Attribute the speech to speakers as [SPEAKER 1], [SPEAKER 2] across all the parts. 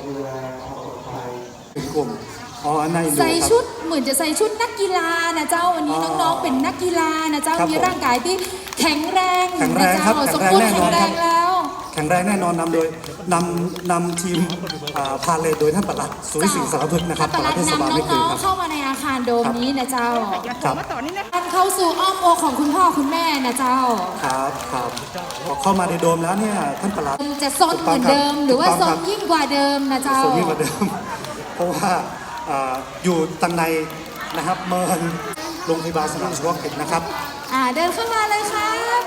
[SPEAKER 1] ดูแลความปลอดภัยเป็นกลุ่ม
[SPEAKER 2] ใส่ชุดเหมือนจะใส่ชุดนักกีฬานะเจ้าวันนี้น้องๆเป็นนักกีฬานะเจ้ามีร่างกายที่แข็งแรงนะเจ้าสมบูรณ์แข็งแรงแล้ว
[SPEAKER 1] แข็งแรงแน่นอนนำทีมพาเลทโดยท่านปลัดสุวิสิงห์สารพึกนะครับปลัดเทศบาลไม่เคยครับ
[SPEAKER 2] เข้ามาในอาคารโดมนี้นะเจ้า
[SPEAKER 1] ครับ
[SPEAKER 2] เข้าสู่อ้อมอกของคุณพ่อคุณแม่นะเจ้า
[SPEAKER 1] ครับพอเข้ามาในโดมแล้วเนี่ยท่านปลัด
[SPEAKER 2] จะซนเหมือนเดิมหรือว่าซนยิ่งกว่าเดิมนะเจ้า
[SPEAKER 1] ซนยิ่งกว่าเดิมเพราะว่าอยู่ตังในนะครับเมินโรงพยาบาลสนามเฉพาะกิจนะครับ
[SPEAKER 2] เดินเข้ามาเลยครับ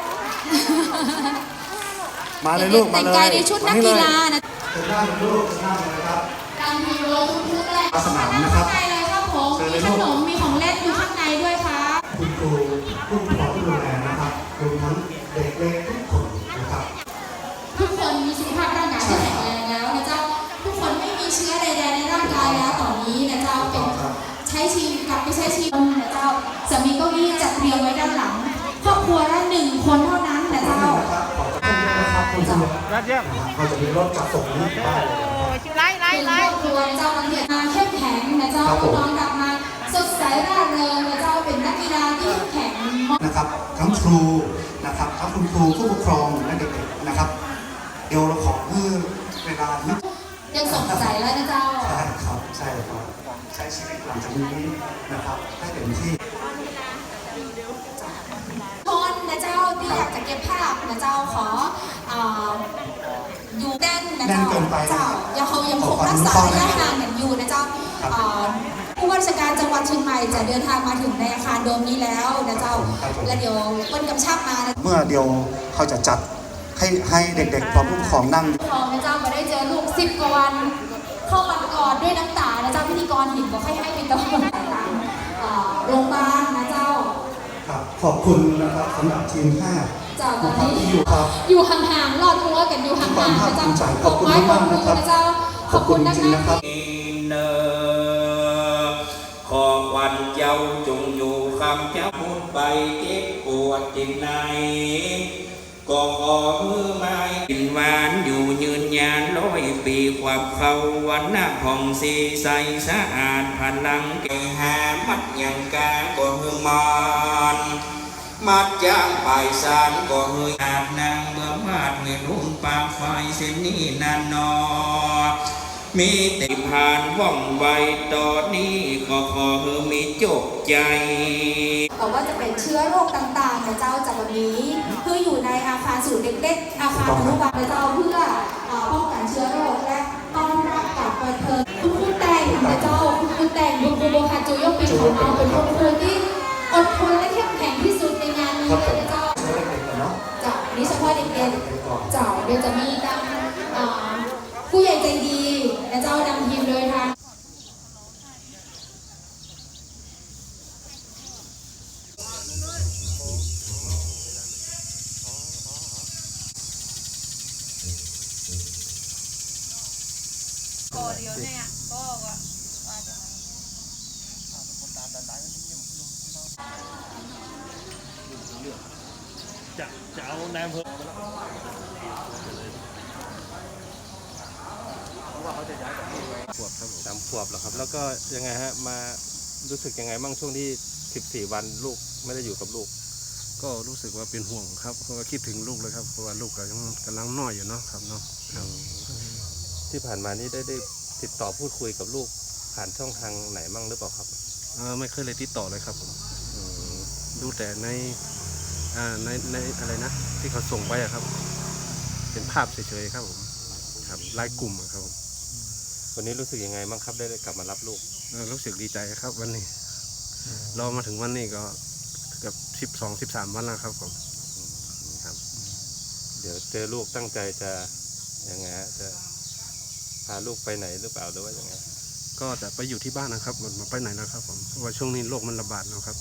[SPEAKER 1] มาเลยลูกมาเลย
[SPEAKER 2] แต่งกายในชุดนักกีฬานะ
[SPEAKER 1] เชิญหน้าเลยลูกเชิญหน้าเลยนะครับ
[SPEAKER 2] การมีโลทุกๆแรก
[SPEAKER 1] สนามนะครับ
[SPEAKER 2] ข้างในเลยครับผมมีขนมมีของเล่นอยู่ข้างในด้วยครับ
[SPEAKER 1] คุณครูผู้ปกครองผู้ดูแลนะครับรวมทั้งเด็กเล็กทุกคนนะครับ
[SPEAKER 2] ทุกคนมีสุขภาพร่างกายที่แข็งแรงแล้วนะเจ้าทุกคนไม่มีเชื้อใดๆในร่างกายแล้วตอนนี้นะเจ้าเป็นใช้ชีวิตกลับไปใช้ชีวิตนะเจ้าสามีเก้าอี้จัดเรียงไว้ด้านหลังครอบครัวละ1 คนเท่านั้นนะเจ้า
[SPEAKER 1] คุณจะเขาจะมีรถจัดส่งนี้ได้
[SPEAKER 2] ไล่ครอบครัวนะเจ้านักเรียนมาเข้มแข็งนะเจ้าน้องกลับมาสดใสร่าเริงนะเจ้าเป็นนักกีฬาที่เข้มแข็ง
[SPEAKER 1] นะครับทั้งครูนะครับทั้งคุณครูผู้ปกครองและเด็กๆนะครับเดี๋ยวเราขอเพื่อเวลานิด
[SPEAKER 2] ยังสนใจแล้วนะเจ้า
[SPEAKER 1] ใช่ครับใช้ชีวิตหลังจากนี้นะครับให้เต็มที่
[SPEAKER 2] คนนะเจ้าที่อยากจะเก็บภาพนะเจ้าขออยู่แน่นนะเจ้ายังคงรักษาระยะห่างอย่างอยู่นะเจ้าผู้ว่าราชการจังหวัดเชียงใหม่จะเดินทางมาถึงในอาคารโดมนี้แล้วนะเจ้าและเดี๋ยววันกำชับมาเ
[SPEAKER 1] มื่อเดียวเขาจะจัดให้เด็กๆพร้อมผู้ปกครองนั่ง
[SPEAKER 2] ของนะเจ้ามาได้เจอลูก10 กว่าวันเข้ามากอดด้วยน้ำตานะเจ้าพิธีกรเห็นบอกให้ไปตรงโรงพยาบาลนะเจ้า
[SPEAKER 1] ขอบคุณนะครับสำหรับทีม5
[SPEAKER 2] จากตอนนี้อยู่ห่างๆรอดรั้วกันอยู่ห่างๆนะเจ้า
[SPEAKER 1] ขอบคุณมากนะครับ
[SPEAKER 2] ขอบคุณจริงๆนะครับ
[SPEAKER 3] ขอวันเจ้าจงอยู่คำเจ้าพูดไปเจ็บปวดจิตในก็ขอมือไม้กินหวานอยู่ยืนยาน100 ปีความเขาวันหน้าผ่องสีใสสะอาดพลังเก่งหามัดยังกาก็หือมอนมัดจ้างไปสารก็เฮยอาบนางเมื่อมาดเงินหุ่นปากไฟเส้นนี้นานนอมีติผ่านว่องไวตอนนี้ก็ขอเฮอมีจบใจ
[SPEAKER 2] บอกว่าจะเป็นเชื้อโรคต่างๆนะเจ้าจากวันนี้เพื่ออยู่ในอาคารศูนย์เด็กๆอาคารอนุบาลนะเจ้าเพื่อป้องกันเชื้อโรคและต้อนรับกับประเทศคุณครูแต่งนะเจ้าคุณครูแต่งคุณครูโบคาโจโยปินของเราเป็นคุณครูที่อดทนและเข้มแข็งที่สุดในงานนี้นะเจ้าจากนี้เฉพาะเด็กๆเจ้าเดี๋ยวจะมีการผู้ใหญ่ใจดีและเจ้านำทีมโดยทาง
[SPEAKER 4] เดียวเนี่ยก็ว่า
[SPEAKER 5] จะเอาแนมเพิ่มว่าเขาจะย้ายจากที่ขวบครับ3 ขวบแล้วครับแล้วก็ยังไงฮะมารู้สึกยังไงบ้างช่วงที่14 วันลูกไม่ได้อยู่กับลูก
[SPEAKER 6] ก็รู้สึกว่าเป็นห่วงครับเพราะว่าคิดถึงลูกเลยครับเพราะว่าลูกก็ยังกำลังน้อยอยู่เนาะครับเนาะ
[SPEAKER 5] ที่ผ่านมานี่ได้ติดต่อพูดคุยกับลูกผ่านช่องทางไหนบ้างหรือเปล่าครับ
[SPEAKER 6] ไม่เคยเลยติดต่อเลยครับผมดูแต่ในอะไรนะที่เขาส่งไปครับเป็นภาพเฉยๆครับผมครับไลน์กลุ่มครับ
[SPEAKER 5] วันนี้รู้สึกยังไงบ้างครับได้กลับมารับลูก
[SPEAKER 6] รู้สึกดีใจครับวันนี้รอมาถึงวันนี้ก็เกือบ12-13 วันแล้วครับผมครับ
[SPEAKER 5] เดี๋ยวเจอลูกตั้งใจจะยังไงจะพาลูกไปไหนหรือเปล่าหรือว่ายังไง
[SPEAKER 6] ก็จะไปอยู่ที่บ้านนะครับมาไปไหนนะครับผมเพราะว่าช่วงนี้โรคมันระบาดนะครับ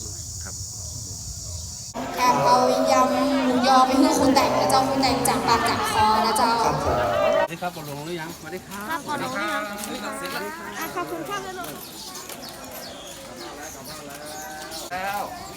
[SPEAKER 2] แอบเอายำหมูยอไปให้คุณแต่งนะเจ้าคุณแต่งจากปากจากคอนะเจ้า
[SPEAKER 6] สวัสดีครับปลงหรือยังสวัสดีครับ
[SPEAKER 4] ปลงหรือยังขอบคุณครับเลยลูก
[SPEAKER 1] แล้ว